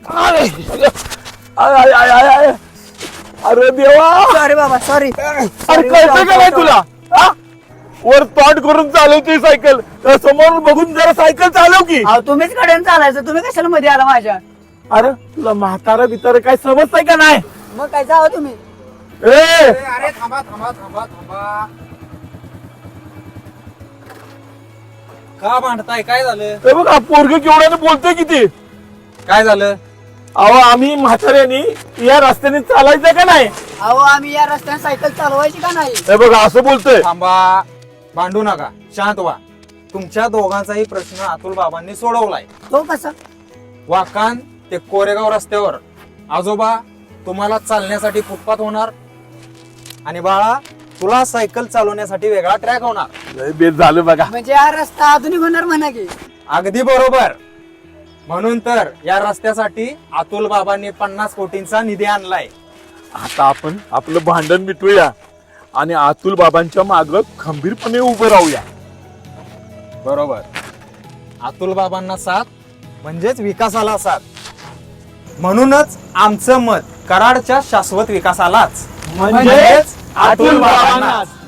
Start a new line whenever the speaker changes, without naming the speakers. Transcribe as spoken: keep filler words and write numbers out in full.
अरे I I I I अरे देवा
सॉरी बाबा सॉरी
अरे कळतं का नाही तुला हा? वर तोंड करून चालवते सायकल समोर बघून जरा सायकल चालव की
अहो तुम्हीच कडेन चालायचं, तुम्ही कशाला मध्ये आला माझ्या?
अरे तुला म्हातारा बितारा काय समजतंय का नाही
मग काय जावं तुम्ही?
ए
अरे थांबा थांबा थांबा थांबा. का भांडताय? काय झालं?
हे बघ पोरग केवढ्याने बोलतोय किती.
काय झालं?
अहो आम्ही म्हाताऱ्यानी या रस्त्याने चालायचं का नाही.
अहो आम्ही या रस्त्याने सायकल चालवायची का नाही?
हे बघा असं बोलतोय.
थांबा, भांडू नका, शांत व्हा. तुमच्या दोघांचाही प्रश्न अतुल बाबांनी सोडवलाय.
तो कसा?
वाकान ते कोरेगाव रस्त्यावर आजोबा तुम्हाला चालण्यासाठी फुटपाथ होणार आणि बाळा तुला सायकल चालवण्यासाठी वेगळा ट्रॅक होणार.
लय बेत झालं बघा.
म्हणजे हा रस्ता आधुनिक होणार म्हणा की.
अगदी बरोबर. म्हणून तर या रस्त्यासाठी अतुल बाबांनी पन्नास कोटींचा निधी आणलाय.
आता आपण आपलं भांडण मिटवूया आणि अतुल बाबांच्या माग खंबीरपणे उभं राहूया.
बरोबर. अतुल बाबांना साथ म्हणजेच विकासाला साथ. म्हणूनच आमचं मत कराडच्या शाश्वत विकासालाच
म्हणजेच अतुल बाबांनाच.